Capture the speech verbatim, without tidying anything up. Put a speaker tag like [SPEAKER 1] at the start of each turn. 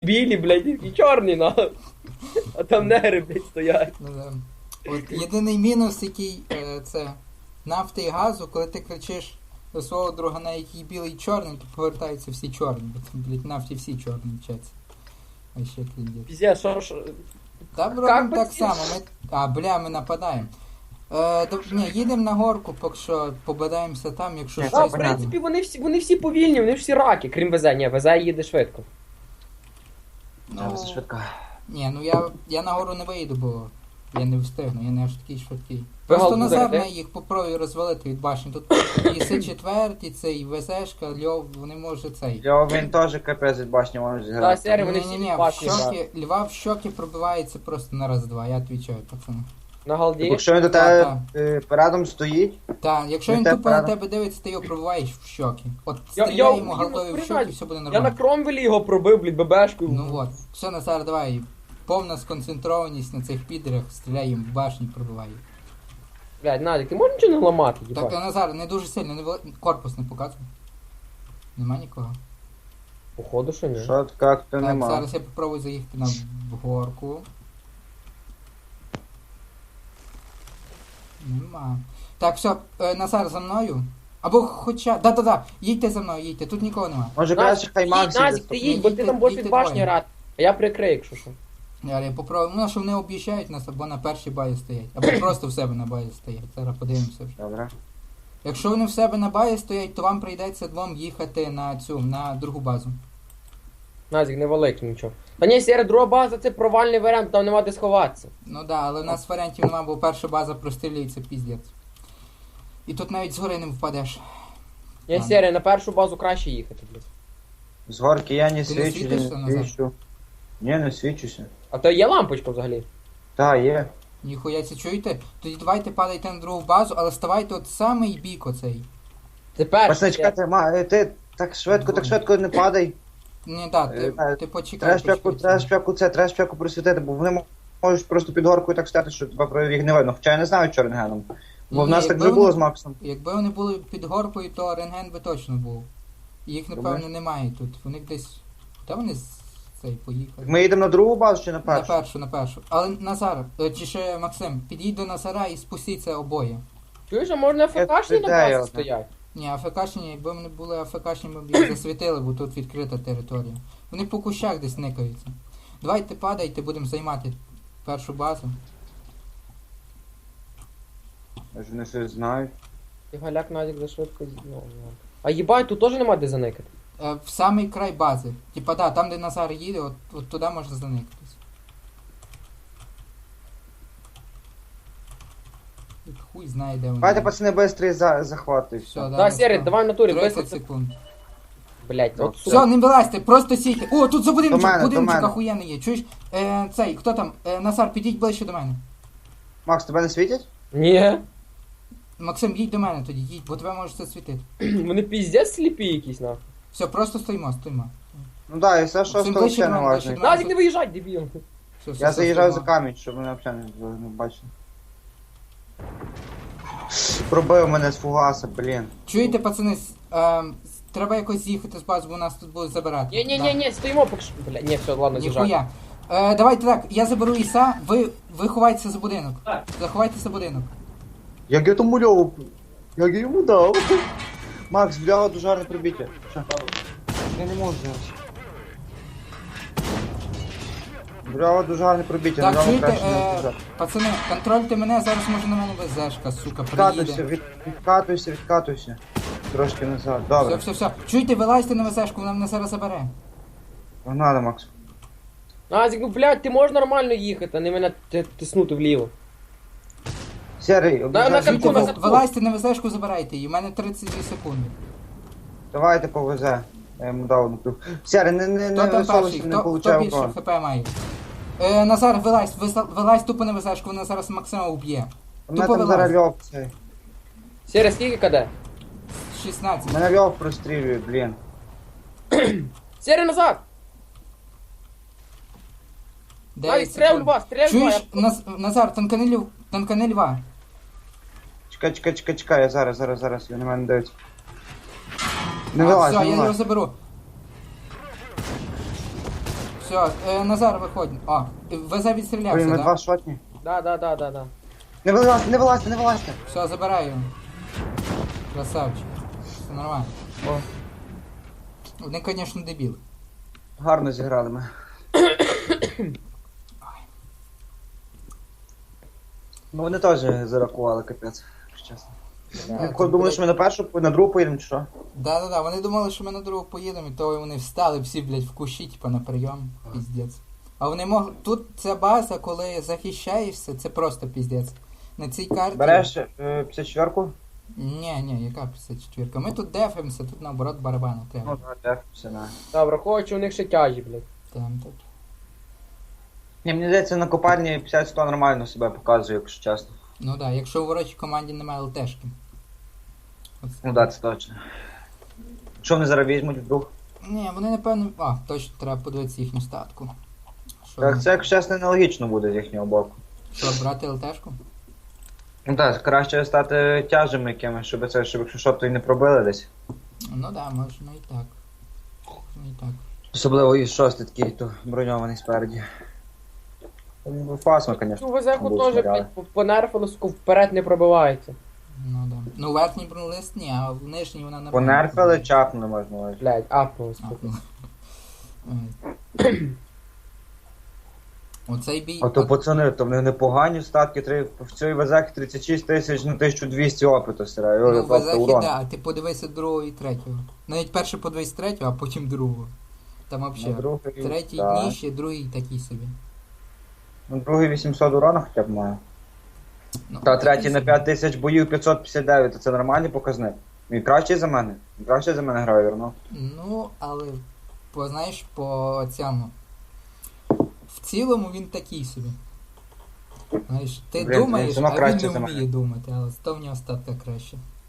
[SPEAKER 1] білі, блядь, і чорні, нахуй. А там негри, блядь, стоять.
[SPEAKER 2] Ну, да. От єдиний мінус, який е, це нафти і газу, коли ти кричиш до свого друга, на який білий і чорний, то повертаються всі чорні, бо там, блядь, нафті всі чорні вчаться. А ще кліндять.
[SPEAKER 1] Піздець, що, що...
[SPEAKER 2] Та
[SPEAKER 1] Как
[SPEAKER 2] робимо
[SPEAKER 1] би
[SPEAKER 2] так
[SPEAKER 1] ці-
[SPEAKER 2] само, ми... А, бля, ми нападаємо. Е, до... Ні, їдемо на горку, поки що побадаємося там, якщо
[SPEAKER 3] Ні,
[SPEAKER 1] А,
[SPEAKER 2] щось
[SPEAKER 1] в
[SPEAKER 3] понятно.
[SPEAKER 1] принципі, вони всі, вони всі повільні, вони всі раки, крім ВЗ. Ні, ВЗ їде швидко.
[SPEAKER 3] Я
[SPEAKER 2] Ну,
[SPEAKER 3] все швидко.
[SPEAKER 2] ні, ну я, я на гору не вийду, бо я не встигну, я не аж такий швидкий.
[SPEAKER 1] Ви
[SPEAKER 2] Просто
[SPEAKER 1] гал
[SPEAKER 2] Назар
[SPEAKER 1] будете?
[SPEAKER 2] на їх попробує розвалити від башні. Тут і С четвертий, цей ВЗшка, Льов, вони може цей.
[SPEAKER 3] Я він теж капець від башні може
[SPEAKER 1] Та,
[SPEAKER 3] зіграти.
[SPEAKER 1] сері, вони всі
[SPEAKER 2] Ні-ні-ні,
[SPEAKER 1] від
[SPEAKER 2] в
[SPEAKER 1] башні,
[SPEAKER 2] щоки, Льва в щоки пробивається просто на раз-два, я відвічаю, пацани.
[SPEAKER 1] На галді.
[SPEAKER 3] Якщо він до
[SPEAKER 2] Та,
[SPEAKER 3] тебе е, передом стоїть,
[SPEAKER 2] Так, якщо
[SPEAKER 3] Ну,
[SPEAKER 2] він
[SPEAKER 3] те
[SPEAKER 2] тупо на
[SPEAKER 3] правда.
[SPEAKER 2] тебе дивиться, ти його пробиваєш в щоки. От
[SPEAKER 1] Я-
[SPEAKER 2] стріляй
[SPEAKER 1] я-
[SPEAKER 2] йому
[SPEAKER 1] я-
[SPEAKER 2] голдові в щоки,
[SPEAKER 1] признаю,
[SPEAKER 2] і все буде
[SPEAKER 1] Я на
[SPEAKER 2] нормально.
[SPEAKER 1] Кромвелі його пробив, блядь, бебешкою.
[SPEAKER 2] Ну от. Все, Назар, давай. Повна сконцентрованість на цих підерах, стріляй їм в башні, пробивай. їх.
[SPEAKER 1] Блядь, Надік, ти можеш нічого не ламати,
[SPEAKER 2] Так,
[SPEAKER 1] їбать?
[SPEAKER 2] Назар, не дуже сильно, не вели- корпус не показуй. Нема нікого.
[SPEAKER 1] Походу, що ні.
[SPEAKER 3] що як то
[SPEAKER 2] Так,
[SPEAKER 3] нема.
[SPEAKER 2] зараз я попробую заїхати на горку. Нема. Так, все, е, Назар за мною. Або хоча. Да-да-да, їдьте за мною, їдьте, тут нікого нема.
[SPEAKER 3] Може краще хай Макс
[SPEAKER 1] Назік,
[SPEAKER 3] іде.
[SPEAKER 1] ти їдь, бо ти там будеш
[SPEAKER 2] Їдьте
[SPEAKER 1] від башні
[SPEAKER 2] двоє.
[SPEAKER 1] грати. А я прикрию, якщо що.
[SPEAKER 2] Я, я попробую, ну, що вони об'їжджають нас, або на першій баї стоять, або просто в себе на баї стоять. Зараз подивимося вже.
[SPEAKER 3] Добре.
[SPEAKER 2] Якщо вони в себе на баї стоять, то вам прийдеться двом їхати на цю, на другу базу.
[SPEAKER 1] Назік, не великий нічого. Та ні, сері, друга база це провальний варіант, там нема де сховатися.
[SPEAKER 2] Ну да, але в нас варіантів нема, бо перша база прострілюється піздець. І тут навіть згори не впадеш.
[SPEAKER 1] Ні,
[SPEAKER 2] Ладно.
[SPEAKER 1] сері, на першу базу краще їхати, блядь.
[SPEAKER 3] З горки я не
[SPEAKER 2] Ти не
[SPEAKER 3] свічу,
[SPEAKER 2] світишся
[SPEAKER 3] не
[SPEAKER 2] назад?
[SPEAKER 3] свічу. Ні, не свічуся.
[SPEAKER 1] А то є лампочка взагалі.
[SPEAKER 3] Та, є.
[SPEAKER 2] Ніхуя це чуєте? Тоді давайте падайте на другу базу, але ставайте от самий бік оцей.
[SPEAKER 1] Тепер.
[SPEAKER 3] Пацани, чекайте, ма, е, ти так швидко, так швидко не падай.
[SPEAKER 2] Ні, так, ти,
[SPEAKER 3] Е,
[SPEAKER 2] ти почекай.
[SPEAKER 3] Треба шпяку,
[SPEAKER 2] почекай.
[SPEAKER 3] треба шпяку це, треба шпяку просвітити, бо вони можуть просто під горкою так стати, що тебе про їх не видно. Хоча я не знаю, що рентгеном. Бо в
[SPEAKER 2] Ні,
[SPEAKER 3] нас так
[SPEAKER 2] якби
[SPEAKER 3] вже було
[SPEAKER 2] вони-
[SPEAKER 3] з Максом.
[SPEAKER 2] Якби вони були під горкою, то рентген би точно був. Їх, напевно,
[SPEAKER 3] Думаєш?
[SPEAKER 2] немає тут. Вони десь. Та вони з цей поїхали.
[SPEAKER 3] Ми їдемо на другу базу чи на
[SPEAKER 2] На
[SPEAKER 3] першу?
[SPEAKER 2] першу, на першу. Але Назар, е, чи ще Максим, підійдь до Назара і спустіться обоє.
[SPEAKER 1] Чуєш, а можна АФКшні на
[SPEAKER 3] ідея
[SPEAKER 1] базі
[SPEAKER 3] одна.
[SPEAKER 1] стоять?
[SPEAKER 2] Ні, АФКшні, якби вони були АФКшні, ми б їх засвітили, бо тут відкрита територія. Вони по кущах десь никаються. Давайте падайте, будемо займати першу базу.
[SPEAKER 3] Може вони щось знають.
[SPEAKER 1] І галяк Назік за швидко. з- Ну, ладно. А їбать, тут теж нема де заникати.
[SPEAKER 2] Е, в самий край бази. Типа, да, там, де Назар їде, от, от туди можна заникатись. Тут хуй знає, де вони.
[SPEAKER 3] Давайте, пацани, бистрий за, захват і
[SPEAKER 2] Все,
[SPEAKER 3] все.
[SPEAKER 2] да,
[SPEAKER 1] Так, сері, давай в натурі,
[SPEAKER 2] тридцять
[SPEAKER 1] висадь.
[SPEAKER 2] секунд.
[SPEAKER 1] Блять, от
[SPEAKER 3] Все.
[SPEAKER 1] сука.
[SPEAKER 2] Все, не вилазьте, просто сійте. О, тут за будиночок,
[SPEAKER 3] До мене, до
[SPEAKER 2] будиночок
[SPEAKER 3] мене.
[SPEAKER 2] охуєнний є. Чуєш? Е, цей, хто там? Е, Назар, підійдь ближче до мене.
[SPEAKER 3] Макс, тебе не світять?
[SPEAKER 1] Ні.
[SPEAKER 2] Максим, їдь до мене тоді, їдь, бо тебе може це світити.
[SPEAKER 1] Вони піздець сліпі якісь, нахуй.
[SPEAKER 2] Все, просто стоїмо, стоїмо.
[SPEAKER 3] Ну так, да, і все, що
[SPEAKER 2] Максим,
[SPEAKER 3] стало
[SPEAKER 2] ближче
[SPEAKER 3] ще
[SPEAKER 2] до
[SPEAKER 3] не
[SPEAKER 2] мене, ближче
[SPEAKER 3] важливо.
[SPEAKER 2] до мене.
[SPEAKER 1] Назік, не виїжджай, дебіл.
[SPEAKER 2] Все, все,
[SPEAKER 3] Я
[SPEAKER 2] все,
[SPEAKER 3] заїжджаю за
[SPEAKER 2] стоїмо.
[SPEAKER 3] камінь, щоб вони взагалі не, не бачили. Пробив мене з фугаса, блін.
[SPEAKER 2] Чуєте, пацани, с- е, с- треба якось з'їхати з бази, бо нас тут будуть забирати.
[SPEAKER 1] Ні, ні, ні, ні, стоїмо поки що. Бля, ні, все, ладно, з'їжджай.
[SPEAKER 2] Ніхуя. Е, давайте так, я заберу Іса, ви, ви ховайтеся за будинок.
[SPEAKER 1] Так.
[SPEAKER 2] Заховайтеся за будинок.
[SPEAKER 3] Як я тому льову, як я йому дав. Макс, бляга, дуже гарне пробиття. Що? Я не можу зараз. Бляга, дуже гарне пробиття,
[SPEAKER 2] Так,
[SPEAKER 3] бляга,
[SPEAKER 2] чуєте,
[SPEAKER 3] краще не
[SPEAKER 2] е,
[SPEAKER 3] біжати.
[SPEAKER 2] пацани, контрольте мене, зараз може на мене везешка, сука,
[SPEAKER 3] Відкатуйся,
[SPEAKER 2] приїде.
[SPEAKER 3] від, відкатуйся, відкатуйся. Трошки назад,
[SPEAKER 2] Все,
[SPEAKER 3] добре.
[SPEAKER 2] все, все. Чуєте, вилазьте на везешку, вона мене зараз забере.
[SPEAKER 3] Погнали, Макс.
[SPEAKER 1] Назік, ну блядь, ти можеш нормально їхати, а не мене т- тиснути вліво.
[SPEAKER 3] Серий,
[SPEAKER 1] на
[SPEAKER 3] обіжай.
[SPEAKER 1] катку,
[SPEAKER 2] Чуєте,
[SPEAKER 1] на
[SPEAKER 2] ви-
[SPEAKER 1] катку.
[SPEAKER 2] вилазьте на везешку, забирайте її, у мене тридцять дві секунди.
[SPEAKER 3] Давайте повезе. Я йому дав одну плюх. Серий, не, не,
[SPEAKER 2] Хто
[SPEAKER 3] не
[SPEAKER 2] там перший?
[SPEAKER 3] висовуйся, не
[SPEAKER 2] Хто, хто
[SPEAKER 3] получай
[SPEAKER 2] більше
[SPEAKER 3] урон.
[SPEAKER 2] хп має? Е, Назар, вилазь, вис- вилазь тупо на везешку, вона зараз Максима уб'є.
[SPEAKER 3] У мене
[SPEAKER 2] Тупо
[SPEAKER 3] там
[SPEAKER 2] вилазь.
[SPEAKER 3] зараз льов цей.
[SPEAKER 1] Сері, скільки каде?
[SPEAKER 2] шістнадцять.
[SPEAKER 3] Мене льов прострілює, блін.
[SPEAKER 1] Сері, назад! Навіть
[SPEAKER 2] дев'ять
[SPEAKER 1] стріляй в
[SPEAKER 2] секунд.
[SPEAKER 1] льва, стріляй в льва.
[SPEAKER 2] Чуєш,
[SPEAKER 1] я-
[SPEAKER 2] Наз, Назар, танкани, льв, танкани льва.
[SPEAKER 3] Чекай, чекай, чекай, чекай, я зараз, зараз, зараз, він на мене дивиться. Не
[SPEAKER 2] А,
[SPEAKER 3] вилазь,
[SPEAKER 2] все,
[SPEAKER 3] не
[SPEAKER 2] я його
[SPEAKER 3] вилазь.
[SPEAKER 2] заберу. Все, е, Назар, виходь. О, ВЗ
[SPEAKER 3] Блін,
[SPEAKER 2] відстрілявся,
[SPEAKER 3] ми
[SPEAKER 2] так?
[SPEAKER 3] два шотні.
[SPEAKER 1] Да, да, да, да, да.
[SPEAKER 3] Не вилазьте, не вилазьте, не вилазьте.
[SPEAKER 2] Все, забираю його. Красавчик. Все нормально.
[SPEAKER 3] О,
[SPEAKER 2] Вони, звісно, дебіли.
[SPEAKER 3] гарно зіграли ми. Ну вони теж зарахували, капець, якщо чесно.
[SPEAKER 2] Да,
[SPEAKER 3] Я
[SPEAKER 2] тут,
[SPEAKER 3] думали, що ми на першу, на другу поїдемо, чи що?
[SPEAKER 2] Да-да-да, вони думали, що ми на другу поїдемо, і то вони встали всі, блядь, в кущі, типа на прийом. Піздець. А вони мог... Тут ця база, коли захищаєшся, це просто піздець. На цій карті...
[SPEAKER 3] Береш е, п'ятдесят четвірку?
[SPEAKER 2] Ні, ні, яка п'ятдесят четвірка? Ми тут дефаємося, тут наоборот барабани треба.
[SPEAKER 3] Ну, так, так, все на.
[SPEAKER 1] Да, враховуючи, у них ще тяжі, блядь.
[SPEAKER 2] Там, так.
[SPEAKER 3] Ні, мені здається, на копальні п'ятдесят сто нормально себе показує, якщо чесно.
[SPEAKER 2] Ну да, якщо в ворочій команді немає ЛТшки. Оце.
[SPEAKER 3] Ну так, це точно. Що вони зараз візьмуть вдруг?
[SPEAKER 2] Ні, вони напевно... А, точно, треба подивитися їхню статку. Що,
[SPEAKER 3] Так, це, якщо чесно, нелогічно буде з їхнього боку.
[SPEAKER 2] що брати ЛТшку?
[SPEAKER 3] Ну так, краще стати тяжами якимось, щоб це, щоб якщо що, то й не пробили десь.
[SPEAKER 2] Ну да, можна і так. Можна і так.
[SPEAKER 3] Особливо і шостий такий, то броньований спереді. Ну, Фасмо, звісно.
[SPEAKER 1] Ну, везеху
[SPEAKER 3] Будуть
[SPEAKER 1] теж,
[SPEAKER 3] снаряди.
[SPEAKER 1] блядь, по- понерфили, сука, вперед не пробивається.
[SPEAKER 2] Ну да. Ну верхній бронелист ні, а в нижній вона напевно.
[SPEAKER 3] Понерфили, чапнули можна. ось.
[SPEAKER 1] Блядь, апнули,
[SPEAKER 2] А,
[SPEAKER 1] сука.
[SPEAKER 2] ну. Ой. Оцей бій.
[SPEAKER 3] А то
[SPEAKER 2] от-
[SPEAKER 3] пацани, то в них непогані статки, три- в цій вазакі тридцять шість тисяч на тисячу двісті опиту стирає.
[SPEAKER 2] Ну,
[SPEAKER 3] Тобто
[SPEAKER 2] в Азахі,
[SPEAKER 3] урон.
[SPEAKER 2] да, ти подивися другого і третього. Навіть перше подивись третього, а потім другого. Там
[SPEAKER 3] На
[SPEAKER 2] взагалі.
[SPEAKER 3] другий,
[SPEAKER 2] Третій
[SPEAKER 3] так.
[SPEAKER 2] нижче, другий такий собі.
[SPEAKER 3] На другий вісімсот урона хоча б має.
[SPEAKER 2] Ну,
[SPEAKER 3] Та
[SPEAKER 2] такий
[SPEAKER 3] третій на
[SPEAKER 2] собі.
[SPEAKER 3] п'ять тисяч боїв п'ятсот п'ятдесят дев'ять, то це нормальний показник. Він кращий за мене. Він кращий за мене грає, вірно.
[SPEAKER 2] Ну, але по, знаєш, по цьому. В цілому він такий собі. Знаєш, ти
[SPEAKER 3] Блін,
[SPEAKER 2] думаєш,
[SPEAKER 3] він сама
[SPEAKER 2] а він
[SPEAKER 3] краще
[SPEAKER 2] не
[SPEAKER 3] за
[SPEAKER 2] вміє
[SPEAKER 3] мене.
[SPEAKER 2] думати, але то в нього статка краще.